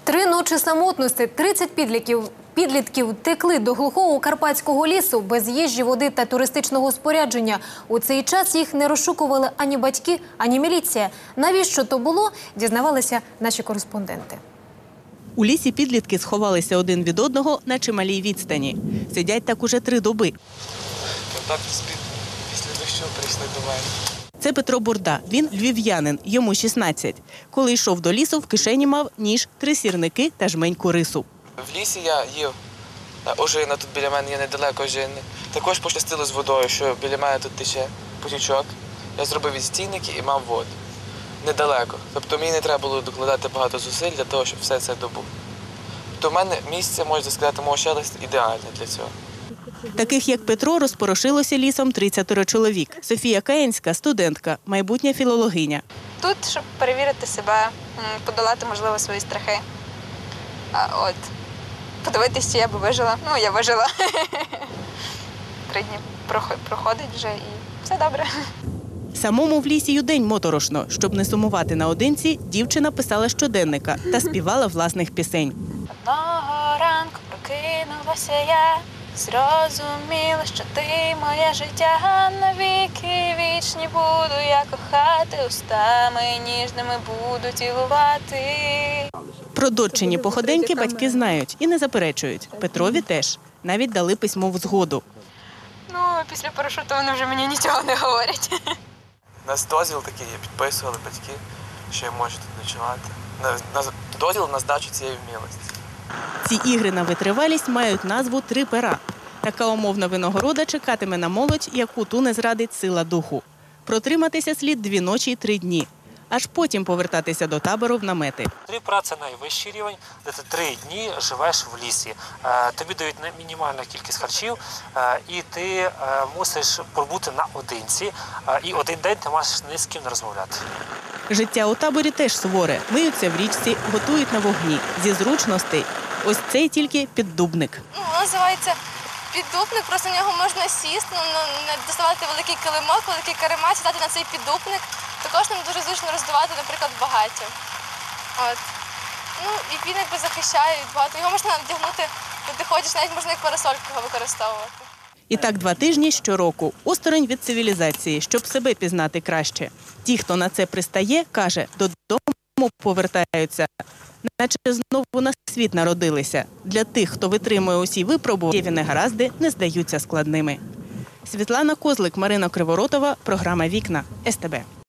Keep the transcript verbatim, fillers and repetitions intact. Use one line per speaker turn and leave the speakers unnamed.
Три ночі самотності, тридцять підлітків, підлітків текли до глухого карпатського лісу без їжі, води та туристичного спорядження. У цей час їх не розшукували ані батьки, ані міліція. Навіщо то було, дізнавалися наші кореспонденти.
У лісі підлітки сховалися один від одного на чималій відстані. Сидять так уже три доби.
Так після дощу прийшли до мене.
Це Петро Бурда. Він львів'янин, йому шістнадцять. Коли йшов до лісу, в кишені мав ніж, три сірники та жменьку рису.
В лісі я їв ожина, тут біля мене є недалеко ожини. Також пощастило з водою, що біля мене тут тече потічок. Я зробив відстійники і мав воду. Недалеко. Тобто мені не треба було докладати багато зусиль для того, щоб все це добути. Тобто в мене місце, можна сказати, мого щастя ідеальне для цього.
Таких, як Петро, розпорошилося лісом тридцять чоловік. Софія Каєнська – студентка, майбутня філологиня.
Тут, щоб перевірити себе, подолати, можливо, свої страхи. А от, подивитися, чи я б вижила. Ну, я вижила. Три дні проходить вже і все добре.
Самому в лісі й удень моторошно. Щоб не сумувати наодинці, дівчина писала щоденника та співала власних пісень.
Одного ранку прокинулася я, зрозуміла, що ти моє життя, навіки вічні буду я кохати, устами ніжними буду цілувати.
Про дочині походеньки батьки знають і не заперечують. Петрові теж. Навіть дали письмову згоду.
Ну, після парашуту вони вже мені нічого не говорять.
У нас дозвіл такий, підписували батьки, що я можу тут ночувати. Дозвіл на здачу цієї вмілості.
Ці ігри на витривалість мають назву «Три пера». Така умовна винагорода чекатиме на молодь, яку ту не зрадить сила духу. Протриматися слід дві ночі й три дні. Аж потім повертатися до табору в намети.
Три пера – це найвищий рівень, де ти три дні живеш в лісі. Тобі дають мінімальну кількість харчів, і ти мусиш пробути наодинці, і один день ти маєш ні з ким не розмовляти.
Життя у таборі теж суворе. Миються в річці, готують на вогні. Зі зручностей. Ось цей тільки піддубник.
Ну, називається піддубник, просто в нього можна сісти, ну, не доставати великий килимок, великий каремат, сідати на цей піддубник. Також нам дуже зручно роздувати, наприклад, багаття. От. Ну, і він якби захищає від багато. Його можна вдягнути, коли ти ходиш, навіть можна як парасольку його використовувати.
І так два тижні щороку. Осторонь від цивілізації, щоб себе пізнати краще. Ті, хто на це пристає, каже, додому повертаються, наче знову на світ народилися. Для тих, хто витримує усі випробування, негаразди не здаються складними. Світлана Козлик, Марина Криворотова, програма «Вікна», ес те бе.